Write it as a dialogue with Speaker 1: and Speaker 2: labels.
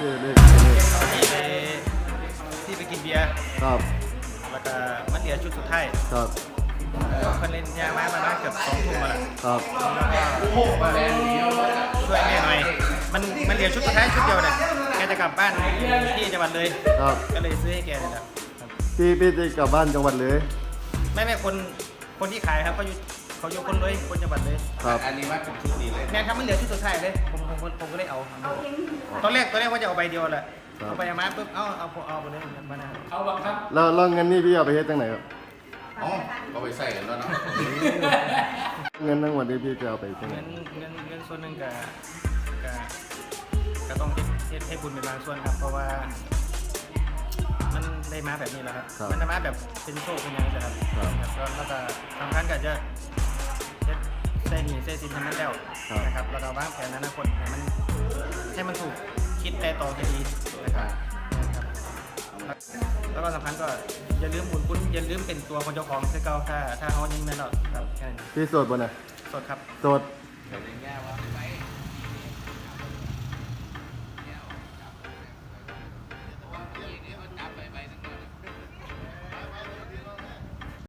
Speaker 1: ที่ไปกินเบียร์
Speaker 2: ครับ
Speaker 1: แล้วก็มันเหลือชุดสุดท้าย
Speaker 2: ครับ
Speaker 1: คนเล่นยามาบ้านเกือบ2 ทุ่มมาแล้ว
Speaker 2: ครับ
Speaker 1: ช่วยแม่หน่อยมันเหลือชุดสุดท้ายชุดเดียวเนี่ยแกจะกลับบ้านที่จังหวัดเลย
Speaker 2: ครับ
Speaker 1: ก็เลยซื้อให้แกเลยครับ
Speaker 2: พี่จะกลับบ้านจังหวัดเลย
Speaker 1: ไม่คนที่ขายครับเขาอยู่คนเลยคนจังหวัดเลย
Speaker 2: ครับ
Speaker 3: อันนี้ว่าเป็นชุดดีเลย
Speaker 1: แม่ครับมันเหลือชุดสุดท้ายเลยผมก็เลยเอาตอนแรกว่าจะเอาใบเดียวแหละเอาไปมาปุ๊บเอาไปเลยมานะ
Speaker 3: เอาบังคับ
Speaker 2: แล้วเงินนี่พี่เอาไปเฮ็ดจังไหนครับ
Speaker 3: อ๋อก็ไปใส่กันแล้วเนาะ
Speaker 2: เงินทั้งหมดนี้พี่จะเอาไปจังไหน
Speaker 1: เงินส่วนหนึ่งก็ต้องเฮ็ดให้บุญเป็นบางส่วนครับเพราะว่ามันได้มาแบบนี้แล้วครับมันได้มาแบบเป็นโชคเป็นยังไงครับแล้วก็สำคัญก็จะเฮ็ดใส่หนี้ใส่สินทั้งนั้นแล้วนะครับแล้วก็วางแผนอนาคตให้มันถูกคิดแต่ต่อให้ดีนะครับแล้วก็สำคัญก็อย่าลืมบุญคุณอย่าลืมเป็นตัวคนเจ้าของคือเก่าถ้าเขายังไม่รอดครับแค่นั้น
Speaker 2: พี่โสดบ่น่ะ
Speaker 1: สดครับ
Speaker 2: โสด